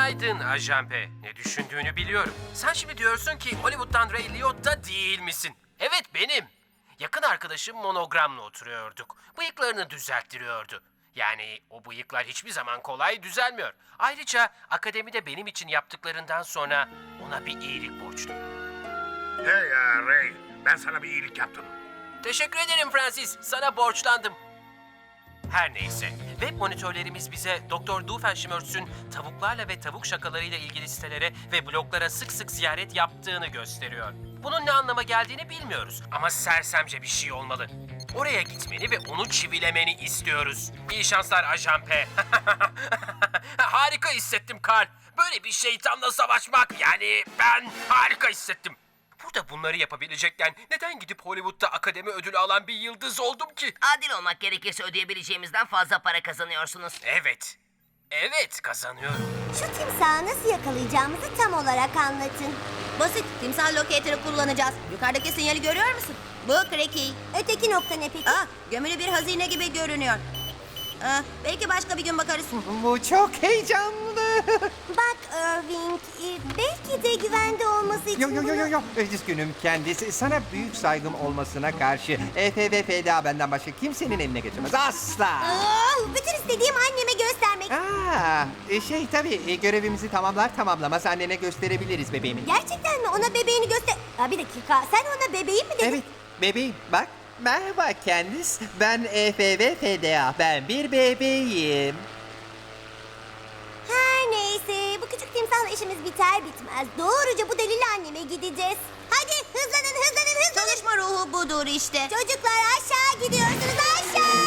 Günaydın Ajan P. Ne düşündüğünü biliyorum. Sen şimdi diyorsun ki Hollywood'dan Ray Liotta değil misin? Evet benim. Yakın arkadaşım Monogram'la oturuyorduk. Bıyıklarını düzelttiriyordu. Yani o bıyıklar hiçbir zaman kolay düzelmiyor. Ayrıca akademide benim için yaptıklarından sonra ona bir iyilik borçluyum. Hey ya Ray, ben sana bir iyilik yaptım. Teşekkür ederim Francis. Sana borçlandım. Her neyse, web monitörlerimiz bize Dr. Doofenshmirtz'ün tavuklarla ve tavuk şakalarıyla ilgili sitelere ve bloglara sık sık ziyaret yaptığını gösteriyor. Bunun ne anlama geldiğini bilmiyoruz ama sersemce bir şey olmalı. Oraya gitmeni ve onu çivilemeni istiyoruz. İyi şanslar Ajan P. Harika hissettim Karl. Böyle bir şeytanla savaşmak, yani ben harika hissettim. Burada bunları yapabilecekken neden gidip Hollywood'da akademi ödülü alan bir yıldız oldum ki? Adil olmak gerekirse ödeyebileceğimizden fazla para kazanıyorsunuz. Evet. Evet, kazanıyorum. Şu timsahı nasıl yakalayacağımızı tam olarak anlatın. Basit. Timsah locator'ı kullanacağız. Yukarıdaki sinyali görüyor musun? Bu Cracky. Öteki nokta ne peki? Gömülü bir hazine gibi görünüyor. Belki başka bir gün bakarız. Bu çok heyecanlı. Bak Irving, belki de güvende olması için Yo. Üzgünüm kendisi. Sana büyük saygım olmasına karşı EFVF'da benden başka kimsenin eline geçemez. Asla. Bütün istediğim anneme göstermek. Tabii görevimizi tamamlamaz annene gösterebiliriz bebeğimi. Gerçekten mi? Ona bebeğini göster... Bir dakika, sen ona bebeğim mi dedin? Evet bebeğim bak. Merhaba Candice. Ben EFVF'da. Ben bir bebeğim. Her neyse, bu küçük timsahla işimiz biter bitmez doğruca bu delili anneme gideceğiz. Hadi hızlanın. Çalışma ruhu budur işte. Çocuklar aşağı gidiyorsunuz, aşağı.